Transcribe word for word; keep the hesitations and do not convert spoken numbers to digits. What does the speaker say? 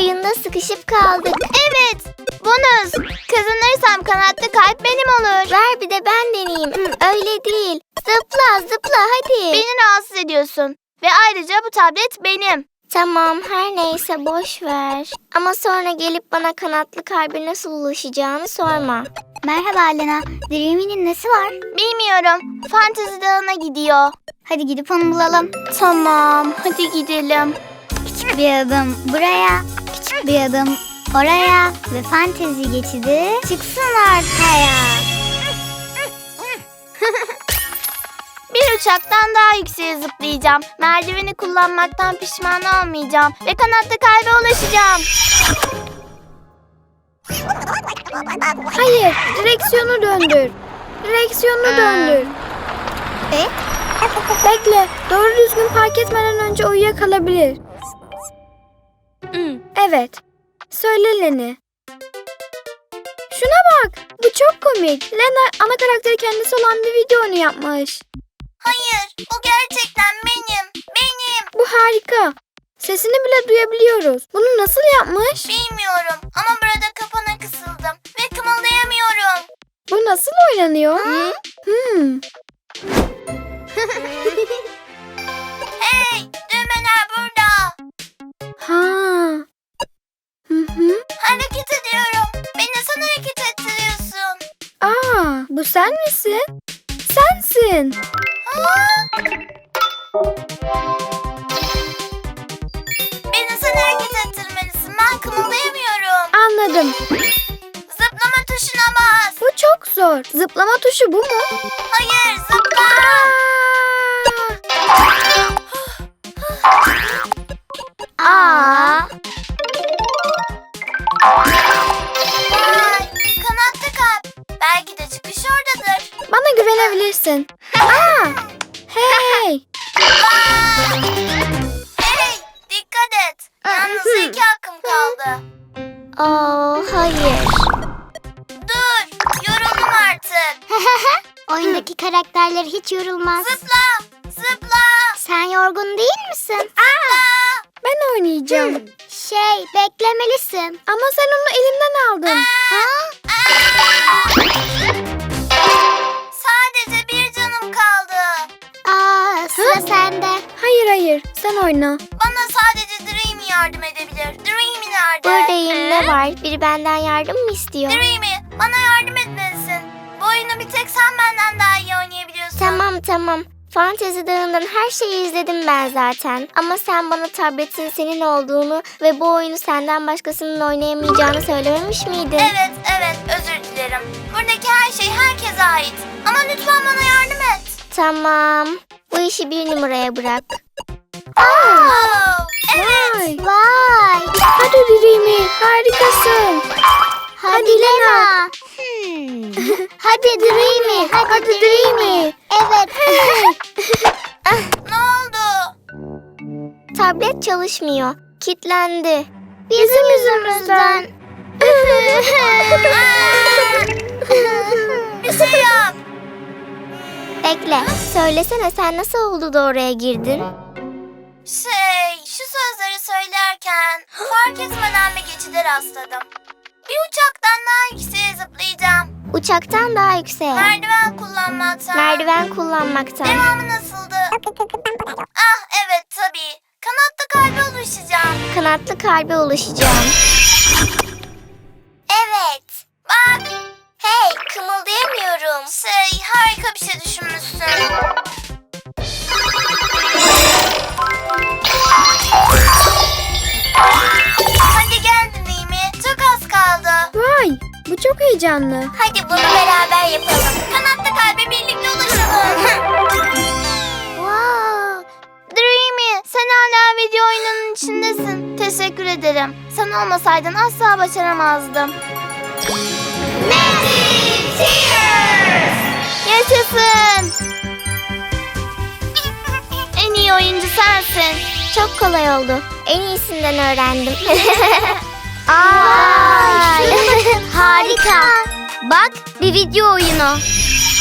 oyunda sıkışıp kaldık. Evet. Bonus. Kazanırsam kanatlı kalp benim olur. Ver bir de ben deneyeyim. Öyle değil. Zıpla zıpla hadi. Beni rahatsız ediyorsun. Ve ayrıca bu tablet benim. Tamam her neyse boş ver. Ama sonra gelip bana kanatlı kalbe nasıl ulaşacağını sorma. Merhaba Lena. Dreamy'nin nesi var? Bilmiyorum. Fantezi dağına gidiyor. Hadi gidip onu bulalım. Tamam hadi gidelim. Küçük bir adım buraya, küçük bir adım oraya ve fantezi geçidi çıksın ortaya. Bir uçaktan daha yükseğe zıplayacağım. Merdiveni kullanmaktan pişman olmayacağım. Ve kanatlı kalbe ulaşacağım. Hayır, direksiyonu döndür. Direksiyonu döndür. E? Bekle, doğru düzgün park etmeden önce uyuyakalabilir. Evet, söyle Leni. Şuna bak, bu çok komik. Lena ana karakteri kendisi olan bir video oyunu yapmış. Hayır, bu gerçekten benim. Benim. Bu harika. Sesini bile duyabiliyoruz. Bunu nasıl yapmış? Bilmiyorum ama burada kapana kısıldım. Ve kımıldayamıyorum. Bu nasıl oynanıyor? Hmm. Hey, düğmeler burada. Ha. Hı hı. Hareket ediyorum. Beni sen hareket ettiriyorsun. Aa, bu sen misin? Sensin. Beni sen hareket ettirmelisin. Ben kımıldayamıyorum. Anladım. Zıplama tuşuna bas. Bu çok zor. Zıplama tuşu bu mu? Hayır, zıpla. Aa. Vay, kanatlı kalp. Belki de çıkış oradadır. Bana güvenebilirsin. Aa. Hey. Vay. Hey, dikkat et. Yalnızca iki hakkım kaldı. Oo, hayır. Dur, yoruldum artık. Oyundaki karakterler hiç yorulmaz. Zıpla, zıpla. Sen yorgun değil misin? Ben oynayacağım. Şey, beklemelisin. Ama sen onu elimden aldın. Ha? Sadece bir canım kaldı. Aa, sıra sende. Hayır hayır, sen oyna. Bana sadece Dreamy yardım edebilir. Dreamy nerede? Buradayım, ne var? Biri benden yardım mı istiyor? Dreamy, bana yardım etmelisin. Bu oyunu bir tek sen benden daha iyi oynayabiliyorsun. Tamam tamam. Fantezi Dağı'ndan her şeyi izledim ben zaten. Ama sen bana tabletin senin olduğunu ve bu oyunu senden başkasının oynayamayacağını söylememiş miydin? Evet, evet, özür dilerim. Buradaki her şey herkese ait. Ama lütfen bana yardım et. Tamam. Bu işi bir numaraya bırak. Oh, evet. Vay. Vay. Hadi Dreamy, harikasın. Hadi Lena. Hmm. Hadi Dreamy. Hadi, Hadi Dreamy. Dreamy. Evet. Ne oldu? Tablet çalışmıyor. Kilitlendi. Bizim yüzümüzden. Bir şey yap. Bekle. Söylesene, sen nasıl oldu da oraya girdin? Şey, şu sözleri söylerken fark etmeden bir geçide rastladım. Bir uçaktan daha yükseğe zıplayacağım. Uçaktan daha yükseğe. Merdiven kullanmaktan. Merdiven kullanmaktan. Devamı nasıldı? Ah evet tabii. Kanatlı kalbe ulaşacağım. Kanatlı kalbe ulaşacağım. Evet. Bak. Hey, kımıldayamıyorum. Şey, harika bir şey düşünmüşsün. Hadi gel Dreamy. Çok az kaldı. Vay, bu çok heyecanlı. Hadi bunu beraber yapalım. Kanatlı kalbe birlikte ulaşalım. Wow. Dreamy, sen hala video oyununun içindesin. Teşekkür ederim. Sen olmasaydın asla başaramazdım. Magic Tears! Yaşasın! En iyi oyuncu sensin. Çok kolay oldu. En iyisinden öğrendim. Vay. Harika. Bak, bir video oyunu.